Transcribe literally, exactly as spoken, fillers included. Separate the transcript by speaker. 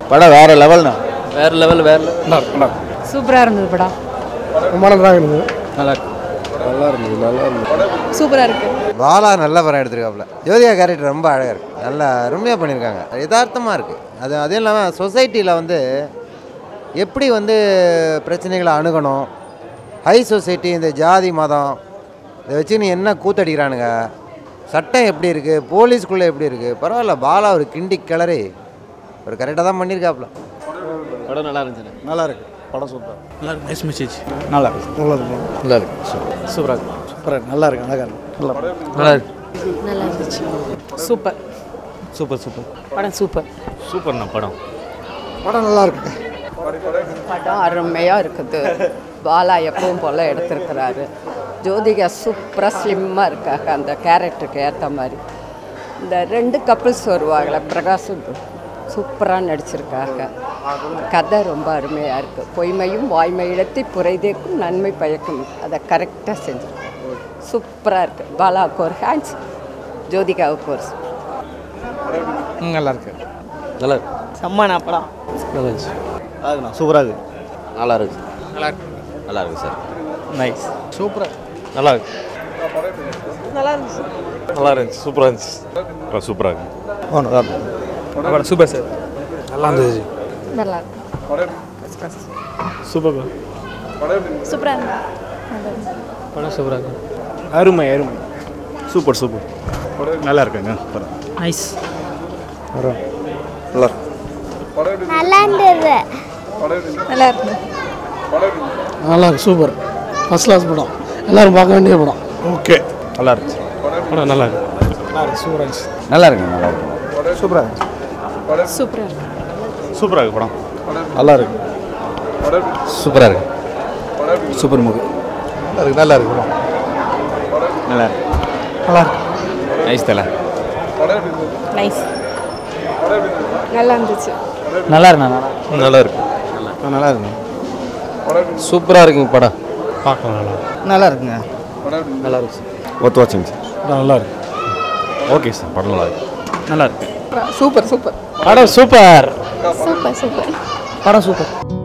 Speaker 1: படம் வேறு லெவல்ண்ணா.
Speaker 2: வேறு லெவல் வேறு லெவல்.
Speaker 3: சூப்பராக இருந்தது படம்.
Speaker 4: ரொம்ப நல்லா இருந்தது.
Speaker 2: நல்லா இருக்கு.
Speaker 4: நல்லா இருந்தது நல்லா இருந்தது
Speaker 3: சூப்பராக இருக்குது.
Speaker 1: பாலா நல்ல படம் எடுத்திருக்காப்புல. ஜோதிகா கேரக்டர் ரொம்ப அழகாக இருக்குது. நல்லா அருமையாக பண்ணியிருக்காங்க. யதார்த்தமாக இருக்குது. அது அதுவும் இல்லாமல் சொசைட்டியில் வந்து எப்படி வந்து பிரச்சனைகளை அணுகணும், ஹை சொசைட்டி, இந்த ஜாதி மதம் இதை வச்சு நீ என்ன கூத்தடிக்கிறானுங்க, சட்டம் எப்படி இருக்குது, போலீஸ்குள்ளே எப்படி இருக்குது, பரவாயில்ல பாலா ஒரு கிண்டி கிளறி ஒரு கரெக்டாக தான் பண்ணியிருக்காப்புல.
Speaker 2: படம் நல்லா இருந்துச்சு.
Speaker 4: நல்லா இருக்கு படம். சூப்பர்.
Speaker 2: நல்லா இருக்கு. Nice message.
Speaker 4: நல்லா இருக்கு நல்லா இருக்கு
Speaker 2: நல்லா இருக்கு. சூப்பராக இருக்கு.
Speaker 4: சூப்பராக நல்லா இருக்கு அழகாக இருக்கு. நல்லா
Speaker 2: நல்லா இருக்கு.
Speaker 3: நல்லா இருந்துச்சு. சூப்பர்
Speaker 2: சூப்பர் சூப்பர்
Speaker 3: படம். சூப்பர்
Speaker 2: சூப்பர்ண்ணா படம்.
Speaker 4: படம் நல்லா இருக்கு.
Speaker 5: படம் அருமையாக இருக்குது. பாலா எப்பவும் போல் எடுத்திருக்கிறாரு. ஜோதிகா சூப்பராக ஸ்லிம்மாக இருக்காங்க அந்த கேரக்டருக்கு ஏற்ற மாதிரி. இந்த ரெண்டு கப்புள்ஸ் வருவாங்களே, பிரகாஷ் சூப்பராக நடிச்சிருக்காங்க. கதை ரொம்ப அருமையாக இருக்குது. பொய்மையும் வாய்மையிடத்தை புரைதேக்கும் நன்மை பயக்கும், அதை கரெக்டாக செஞ்சுருக்கோம். சூப்பராக இருக்குது. பாலாவுக்கு ஒரு ஹேண்ட்ஸ், ஜோதிகாவுக்கு ஒரு
Speaker 2: நல்லா இருக்கு. நல்லா இருக்கு.
Speaker 3: செம்மனா படம்.
Speaker 2: நல்லா இருந்துச்சு.
Speaker 4: நல்லா இருக்குண்ணா. சூப்பராக இருக்கு.
Speaker 1: நல்லா இருக்கு.
Speaker 2: நல்லா இருக்கு.
Speaker 1: நல்லா இருக்கு சார்.
Speaker 2: நைஸ்.
Speaker 4: சூப்பராக
Speaker 2: நல்லா இருக்கு.
Speaker 3: நல்லா இருந்துச்சு.
Speaker 2: நல்லா இருந்துச்சு. சூப்பராக இருந்துச்சு. சூப்பராக இருக்கு.
Speaker 4: ஓ நல்லா இருக்கு.
Speaker 2: படம் சூப்பர் சார்.
Speaker 4: நல்லா இருந்துச்சு.
Speaker 5: நல்லா இருக்கு.
Speaker 2: சூப்பர்.
Speaker 3: சூப்பராக இருந்தது.
Speaker 2: படம் சூப்பராக இருக்கு.
Speaker 4: அருமை அருமை.
Speaker 2: Super super.
Speaker 4: நல்லா இருக்குங்க படம்.
Speaker 3: நைஸ்.
Speaker 4: நல்லா இருக்கு.
Speaker 6: நல்லா இருந்தது.
Speaker 3: நல்லா இருக்கு.
Speaker 4: நல்லா இருக்கு. சூப்பர். ஃபர்ஸ்ட் கிளாஸ் படம். எல்லாரும் பார்க்க வேண்டிய படம். ஓகே.
Speaker 2: நல்லா இருந்துச்சு. படம் நல்லா இருக்கு.
Speaker 4: நல்லா இருக்கு. சூப்பராக இருந்துச்சு.
Speaker 1: நல்லா இருக்குங்க. நல்லா இருக்கு.
Speaker 4: சூப்பராக இருந்துச்சு.
Speaker 3: சூப்பராக இருக்கு.
Speaker 2: சூப்பராக இருக்கு படம்.
Speaker 4: நல்லா இருக்கு.
Speaker 1: சூப்பராக இருக்கு.
Speaker 4: Super movie. நல்லா இருக்கு. நல்லா இருக்கு படம்.
Speaker 1: நல்லா இருக்கு.
Speaker 4: நல்லா இருக்கு.
Speaker 1: நைஸ் தலை.
Speaker 3: நைஸ். நல்லா இருந்துச்சு.
Speaker 2: நல்லா இருக்கு. நல்லா இருக்கு.
Speaker 4: நல்லா இருக்கு.
Speaker 1: சூப்பராக இருக்குங்க படம்.
Speaker 2: பார்க்கலாம். நல்லா
Speaker 4: நல்லா இருக்குங்க.
Speaker 2: நல்லா இருந்துச்சு.
Speaker 1: ஒத்து வாட்சிங் சார்.
Speaker 4: நல்லா இருக்கு.
Speaker 1: Okay sir. படம் நல்லா இருக்கு.
Speaker 2: நல்லா இருக்கு.
Speaker 3: சூப்பர் சூப்பர்
Speaker 2: படம் சூப்பர்.
Speaker 3: சூப்பர் சூப்பர்
Speaker 2: படம் சூப்பர்.